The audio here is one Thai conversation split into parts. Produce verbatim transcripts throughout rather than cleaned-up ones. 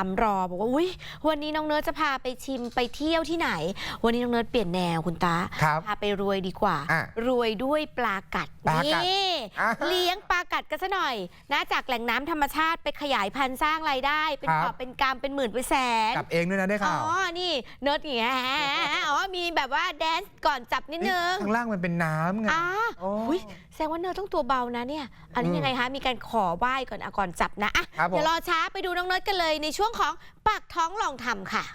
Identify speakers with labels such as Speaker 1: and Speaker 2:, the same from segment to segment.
Speaker 1: ามรอบอกว่าอุ๊ยวันนี้น้องเนิร์ดจะพาไปชิมไปเที่ยวที่ไหนวันนี้น้องเนิร์ดเปลี่ยนแนวคุณตาพาไปรวยดีกว่ารวยด้วยปลากัดนี่เลี้ยงปลากัดกันซะหน่อยนะจากแหล่งน้ำธรรมชาติไปขยายพันธุ์สร้างรายได้เป็นกอบเป็นกำเป็นหมื่นเป็นแสน
Speaker 2: กับเองด้วยนะได้ข่าว
Speaker 1: อ๋อนี่เนิร์ดอย่างเงี้ยอ๋อมีแบบว่าแดนซ์ก่อนจับนิดนึง
Speaker 2: ข้างล่างมันเป็นน้ำไง
Speaker 1: อ๋ออุ้ยแสดงว่าเนิร์ดต้องตัวเบานะเนี่ยอันนี้ยังไงคะมีการขอไหว้ก่อนอ่ะก่อนจับนะอ่ะเดี๋ยวรอช้าไปดูน้องเนิร์ดกันเลยในช่วงของปากท้องลองทำค่ะ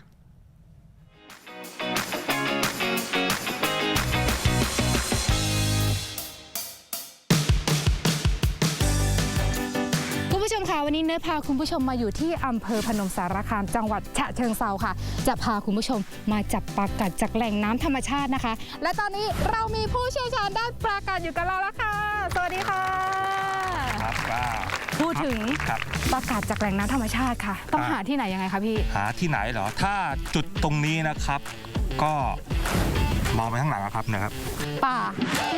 Speaker 3: คุณผู้ชมค่ะวันนี้เนิร์ดพาคุณผู้ชมมาอยู่ที่อำเภอพนมสารคามจังหวัดฉะเชิงเทราค่ะจะพาคุณผู้ชมมาจับปลากัดจากแหล่งน้ำธรรมชาตินะคะและตอนนี้เรามีผู้เชี่ยวชาญด้านปลากัดอยู่กับเราแล้วค่ะสวัสดีค่ะ
Speaker 4: ครับว่า
Speaker 3: พูดถึงปลากัดจากแหล่งน้ำธรรมชาติค่ะต้องหาที่ไหนยังไงคะพี่
Speaker 4: หาที่ไหนเหรอถ้าจุดตรงนี้นะครับก็มองไปข้างหลังนะครับนะครับ
Speaker 3: ป่า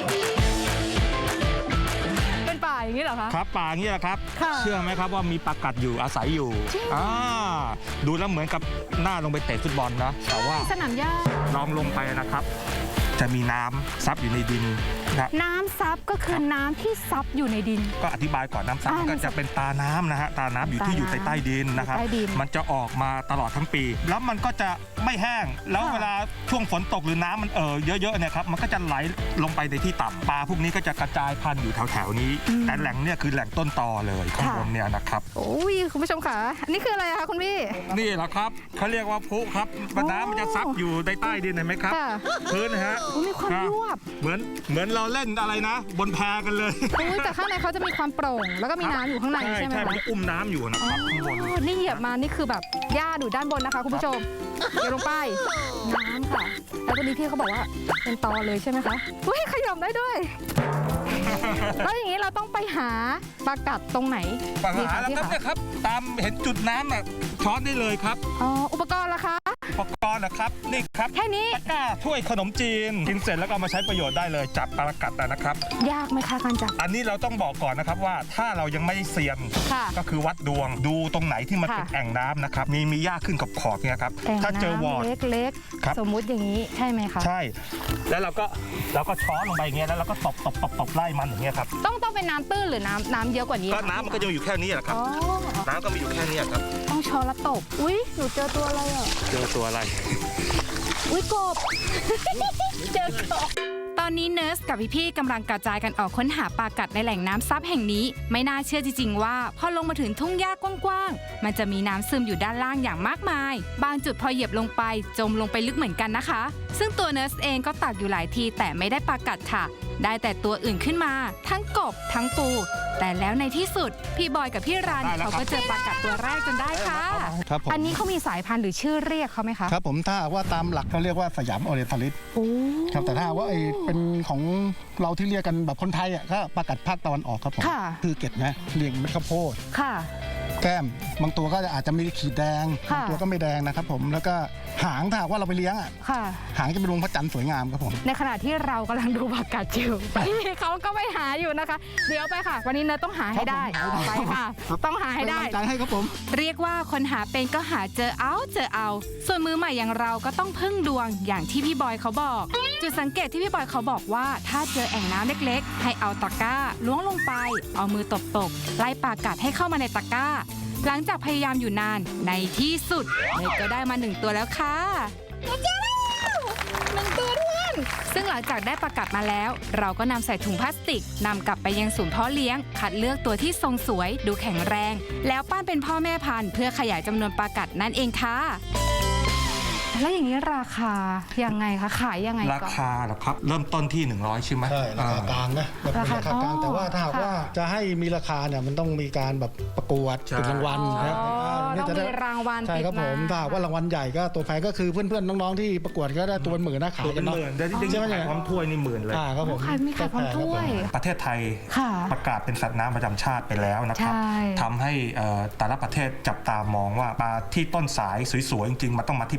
Speaker 3: เป็นป่าอย่างนี้เหรอคะ
Speaker 4: ครับป่าอย่างนี้แหละครับเชื่อไหมครับว่ามีปลากัดอยู่อาศัยอยู่อ่าดูแล้วเหมือนกับหน้าลงไปเตะฟุตบอลนะแต่ว่า
Speaker 3: สนามหญ้า
Speaker 4: ลองลงไปนะครับจะมีน้ำซับอยู่ในดินนะ
Speaker 3: น้ำซับก็คือน้ำที่ซับอยู่ในดิน
Speaker 4: ก็อธิบายก่อนน้ำซับก็จะเป็นตาน้ำนะฮะตาน้ำอยู่ที่อยู่ใต้ใต้ดินนะครับมันจะออกมาตลอดทั้งปีแล้วมันก็จะไม่แห้งแล้วเวลาช่วงฝนตกหรือน้ำมันเอ่อเยอะๆเนี่ยครับมันก็จะไหลลงไปในที่ต่ำปลาพวกนี้ก็จะกระจายพันธุ์อยู่แถวๆนี้แต่แหล่งเนี่ยคือแหล่งต้นตอเลยข้างบนเนี่ยนะครับ
Speaker 3: โอ้ยคุณผู้ชมค่ะนี่คืออะไรคะคุณพี่
Speaker 4: นี่แหละครับเขาเรียกว่าพุครับน้ำมันจะซับอยู่ใต้ใต้ดินเห็นไหมครับพื้นนะฮะ
Speaker 3: มีความยวบ
Speaker 4: เหมือนเหมือนเราเล่นอะไรนะบนแพกันเลย
Speaker 3: แต่ข้างในเขาจะมีความโปร่งแล้วก็มีน้ำอยู่ข้างในใช่ไหม
Speaker 4: ใช่มันจะอุ้มน้ำอยู่นะครับข้างบน
Speaker 3: นี่เหยียบมานี่คือแบบหญ้าอยู่ด้านบนนะคะคุณผู้ชมเดี๋ยวลงไปน้ำค่ะแล้วตอนนี้พี่เขาบอกว่าเป็นตอเลยใช่ไหมคะเฮ้ยขยมได้ด้วยแล้วอย่างนี้เราต้องไปหาปลากัดตรงไหน
Speaker 4: ปลาหาแล้วครับเนี่ยครับตามเห็นจุดน้ำอ่ะช้อนได้เลยครับ
Speaker 3: อ๋ออุปกรณ์ล่ะคะ
Speaker 4: อุปกรณ์นะครับนี่ครับ
Speaker 3: แค่นี้
Speaker 4: ตะกร้าถ้วยขนมจีนกินเสร็จแล้วก็มาใช้ประโยชน์ได้เลยจับปลากัดนะครับ
Speaker 3: ยากไหมคะการจับ
Speaker 4: อันนี้เราต้องบอกก่อนนะครับว่าถ้าเรายังไม่เซียนก็คือวัดดวงดูตรงไหนที่มันเป็นแอ่งน้ำนะครับมีมีหญ้าขึ้นกับขอบเนี่ยครับถ้าเจอวอร์ด
Speaker 3: เล็กๆสมมุติอย่างนี้ใช่ไหมคะ
Speaker 4: ใช่แล้วเราก็เราก็ช้อนลงไปอย่างเงี้ยแล้วเราก็ตบตบตบตบไล่มันอย่างเงี้ยครับ
Speaker 3: ต้องต้องเป็นน้ำตื้นหรือน้ำน้ำเยอะกว่านี้
Speaker 4: ก็น้ำมันก็จะอยู่แค่นี้แหละครับน้ำก็มีอยู่แค่นี้ครับ
Speaker 3: ต้องช้อนแล้วตบอุ้ยหนูเจอตัวอะไรอ่ะ
Speaker 4: เจอตัวอะไร
Speaker 3: อุ้ยกบเจอกบตอนนี้เนิร์สกับพี่ๆกำลังกระจายกันออกค้นหาปลากัดในแหล่งน้ำซับแห่งนี้ไม่น่าเชื่อจริงๆว่าพอลงมาถึงทุ่งหญ้ากว้างๆมันจะมีน้ำซึมอยู่ด้านล่างอย่างมากมายบางจุดพอเหยียบลงไปจมลงไปลึกเหมือนกันนะคะซึ่งตัวเนิร์สเองก็ตักอยู่หลายทีแต่ไม่ได้ปลากัดค่ะได้แต่ตัวอื่นขึ้นมาทั้งกบทั้งปูแต่แล้วในที่สุดพี่บอยกับพี่รันเขาก็เจอปลากัดตัวแรกจนได้ค่ะอันนี้เขามีสายพันธุ์หรือชื่อเรียกเขาไหมคะ
Speaker 5: ครับผมถ้าว่าตามหลักเขาเรียกว่าสยามออเรนทัลิสครับแต่ถ้าว่าไอ้เป็นของเราที่เรียกกันแบบคนไทยอ่ะก็ปลากัดภาคตะวันออกครับผมคือเกล็ดนะเรียงเม็ดข้าวโพด
Speaker 3: ค่ะ
Speaker 5: แก้มบางตัวก็อาจจะมีขีดแดงบางตัวก็ไม่แดงนะครับผมแล้วก็หางถ้าว่าเราไปเลี้ยงอ่ะหางจะเป็นดวงพระจันทร์สวยงามครับผม
Speaker 3: ในขณะที่เรากำลังดูปลากัดอยู่เขาก็ไม่หาอยู่นะคะเดี๋ยวไปค่ะวันนี้เนยต้องหาให้ได้ไปค่ะต้องหาให้ได้
Speaker 5: ใจให้ครับผม
Speaker 3: เรียกว่าคนหาเป็นก็หาเจอเอาเจอเอาส่วนมือใหม่อย่างเราก็ต้องพึ่งดวงอย่างที่พี่บอยเขาบอกจุดสังเกตที่พี่บอยเขาบอกว่าถ้าเจอแอ่งน้ำเล็กๆให้เอาตะกร้าล้วงลงไปเอามือตบๆไล่ปลากัดให้เข้ามาในตะกร้าหลังจากพยายามอยู่นานในที่สุดเนยก็ได้มาหนึ่งตัวแล้วค่ะเจอแล้วหนึ่งตัวด้วยซึ่งหลังจากได้ปลากัดมาแล้วเราก็นำใส่ถุงพลาสติกนำกลับไปยังศูนย์เพาะเลี้ยงคัดเลือกตัวที่ทรงสวยดูแข็งแรงแล้วปั้นเป็นพ่อแม่พันธุ์เพื่อขยายจำนวนปลากัดนั่นเองค่ะแล้วอย่างนี้ราคายังไงคะขายยังไง
Speaker 4: ราคาเหรอครับเริ่มต้นที่หนึ่งร้อยใช่ไหม
Speaker 5: ใช่ราคากลางนะราคากลางแต่ว่าถ้าหากว่าจะให้มีราคาเนี่ยมันต้องมีการแบบประกวดติดรางวัล
Speaker 3: นะต้องมีรางวัล
Speaker 5: ใช่ครับผมถ้าว่ารางวัลใหญ่ก็ตัวแพงก็คือเพื่อนๆน้องๆที่ประกวดก็ได้ตัวเป็นหมื่นนะขาย
Speaker 4: กันเนาะใช่ไหมเนี่ยพร้อมถ้วยนี่หมื่นเลย
Speaker 5: ครับผม
Speaker 3: มีขายพร้อมถ้วย
Speaker 4: ประเทศไทยประกาศเป็นสัตว์น้ำประจำชาติไปแล้วนะครับทำให้แต่ละประเทศจับตามองว่าปลาที่ต้นสายสวยๆจริงๆมันต้องมาที่ประเทศไทย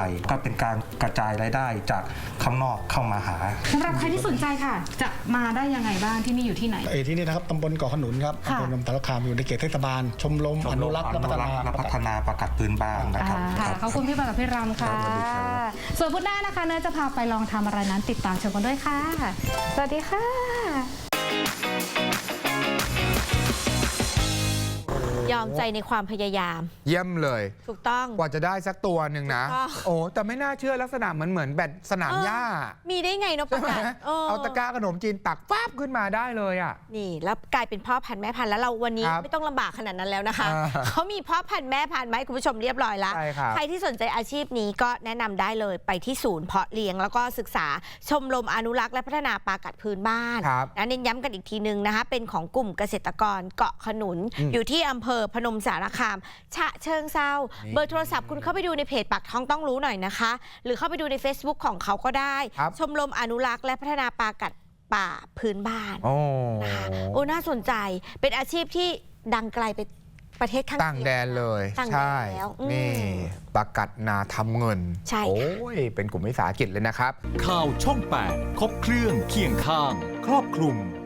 Speaker 4: ก็เป็นการกระจายรายได้จากข้างนอกเข้ามาหา
Speaker 3: สำหรับใครที่สนใจค่ะ จะมาได้ยังไงบ้างที่นี่อยู่ที่ไหน
Speaker 5: เอที่นี่นะครับตำบลเกาะขนุนครับอำเภอนมสารคามอยู่ในเขตเทศบาลชมรมอนุรักษ์และพัฒนา
Speaker 4: และพัฒนาปลากัดพื้นบ้านนะครับ
Speaker 3: ขอบคุณพี่บอยกับพี่รำค่ะส่วนพุธหน้านะคะเนยจะพาไปลองทำอะไรนั้นติดตามชมกันด้วยค่ะสวัสดีค่ะ
Speaker 1: ยอมใจในความพยายาม
Speaker 2: เยี่ยมเลย
Speaker 1: ถูกต้อง
Speaker 2: กว่าจะได้สักตัวหนึ่งนะโอ้แต่ไม่น่าเชื่อลักษณะเหมือนเหมือนแบดสนามหญ้า
Speaker 1: มีได้ไงนกประกัด
Speaker 2: เอาตะกร้าขนมจีนตักฟ้าบขึ้นมาได้เลยอ่ะ
Speaker 1: นี่แล้วกลายเป็นพ่อพันธุ์แม่พันธุ์แล้วเราวันนี้ไม่ต้องลำบากขนาดนั้นแล้วนะคะเขามีพ่อพันธุ์แม่พันธุ์ไหมคุณผู้ชมเรียบร้อยแล้วใครที่สนใจอาชีพนี้ก็แนะนำได้เลยไปที่ศูนย์เพาะเลี้ยงแล้วก็ศึกษาชมรมอนุรักษ์และพัฒนาปลากัดพื้นบ้านนะเน้นย้ำกันอีกทีนึงนะคะเป็นของกลุ่มเกษตรกรเกาะขนุนอยู่ที่อำเภอพนมสารคามฉะเชิงเซาเบอร์โทรศัพท์คุณเข้าไปดูในเพจปากท้องต้องรู้หน่อยนะคะหรือเข้าไปดูใน Facebook ของเขาก็ได้ชมรมอนุรักษ์และพัฒนาปลากัดป่าพื้นบ้านนะคะโอ้น่าสนใจเป็นอาชีพที่ดังไกลไปประเทศข้าง
Speaker 2: ต่างแดนเลยใช่นี่ปลากัดนาทำเงิน
Speaker 1: ใช่
Speaker 2: โอ้ยเป็นกลุ่มวิสาหกิจเลยนะครับ
Speaker 6: ข่าวช่องแปดครบเครื่องเคียงข้างครอบคลุม